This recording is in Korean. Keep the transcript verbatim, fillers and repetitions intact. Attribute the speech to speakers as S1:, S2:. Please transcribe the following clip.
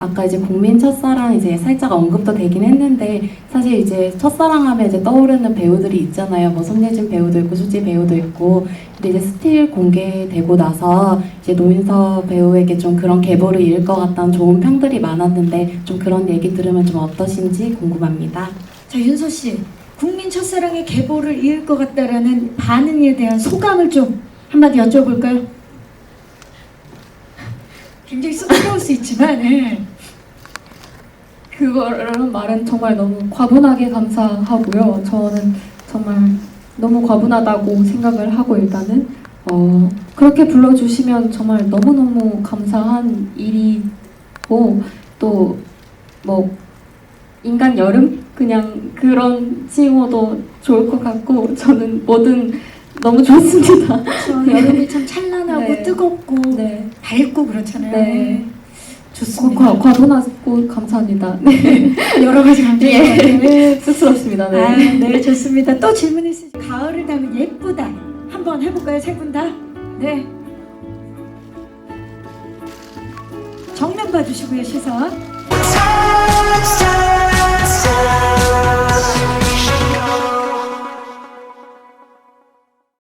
S1: 아까 이제 국민 첫사랑 이제 살짝 언급도 되긴 했는데 사실 이제 첫사랑하면 이제 떠오르는 배우들이 있잖아요. 뭐 손예진 배우도 있고 수지 배우도 있고. 근데 이제 스틸 공개되고 나서 이제 노인서 배우에게 좀 그런 계보를 이을 것 같다는 좋은 평들이 많았는데 좀 그런 얘기 들으면 좀 어떠신지 궁금합니다.
S2: 자, 윤서 씨, 국민 첫사랑의 계보를 이을 것 같다라는 반응에 대한 소감을 좀 한마디 여쭤볼까요? 굉장히 쑥스러울 수 있지만, 예.
S3: 그거라는 말은 정말 너무 과분하게 감사하고요. 저는 정말 너무 과분하다고 생각을 하고 일단은 어, 그렇게 불러주시면 정말 너무너무 감사한 일이고 또 뭐 인간 여름? 그냥 그런 칭호도 좋을 것 같고 저는 뭐든 너무 좋습니다.
S2: 저 여름이 참 찬란하고
S3: 네.
S2: 뜨겁고
S3: 네,
S2: 밝고 그렇잖아요.
S3: 네.
S2: 좋습니다.
S3: 과, 과분하고 감사합니다. 네.
S2: 여러 가지 감정이
S3: 예.
S2: 네.
S3: 쑥스럽습니다. 네.
S2: 아, 네, 좋습니다. 또 질문 있으시죠? 가을을 닮은 예쁘다. 한번 해볼까요, 세 분 다? 네. 정면 봐주시고요, 시선.